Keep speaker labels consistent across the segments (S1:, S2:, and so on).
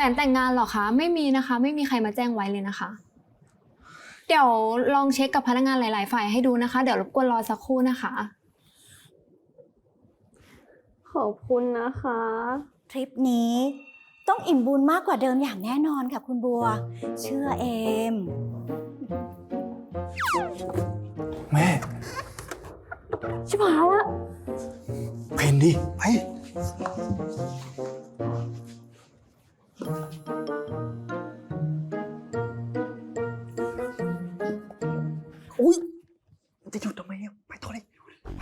S1: นแต่งงานเหรอคะไม่มีนะคะไม่มีใครมาแจ้งไว้เลยนะคะเดี๋ยวลองเช็คกับพนักงานหลายๆฝ่ายให้ดูนะคะเดี๋ยวรบกวนรอสักครู่นะคะขอบคุณนะคะ
S2: ทริปนี้ต้องอิ่มบุญมากกว่าเดิมอย่างแน่นอนค่ะคุณบัว เชื่อเอม
S3: แม่
S1: ชิบหายละ
S3: เพนดิไปอุ้ยจะหยุดทำไมเนี่ยไปต่อเลยไป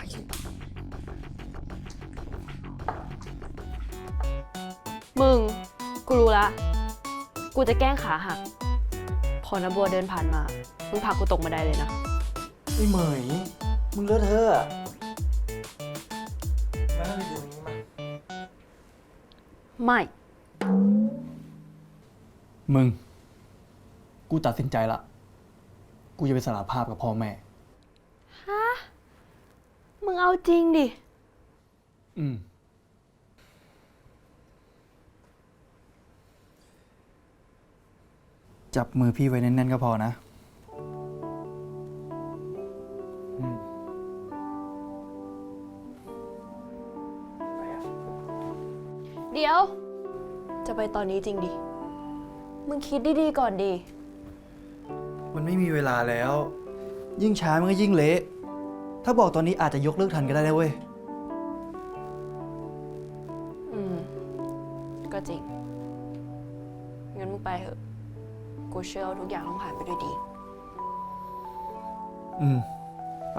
S4: มึง กูรู้ละ กูจะแกล้งขาหัก พอนะบัวเดินผ่านมา มึงผลักกูตกบันไดเลยนะ
S3: ไอ้เหมยมึงเลอะเทอะมานั่งดูนี้มา
S4: ไม่
S3: มึง กูตัดสินใจละ กูจะไปสารภาพกับพ่อแม่
S4: มึงเอาจริงดิ
S3: อืม จับมือพี่ไว้แน่นๆก็พอนะ
S4: เดี๋ยว จะไปตอนนี้จริงดิ มึงคิดดีๆก่อนดิ
S3: มันไม่มีเวลาแล้ว ยิ่งช้ามันก็ยิ่งเละ ถ้าบอกตอนนี้อาจจะยกเลิกทันก็ได้นะเว้ย
S4: อืม ก็จริง งั้นมึงไปเถอะ กูเชื่อว่าทุกอย่างต้องผ่านไปด้วยดี
S3: อืม ไป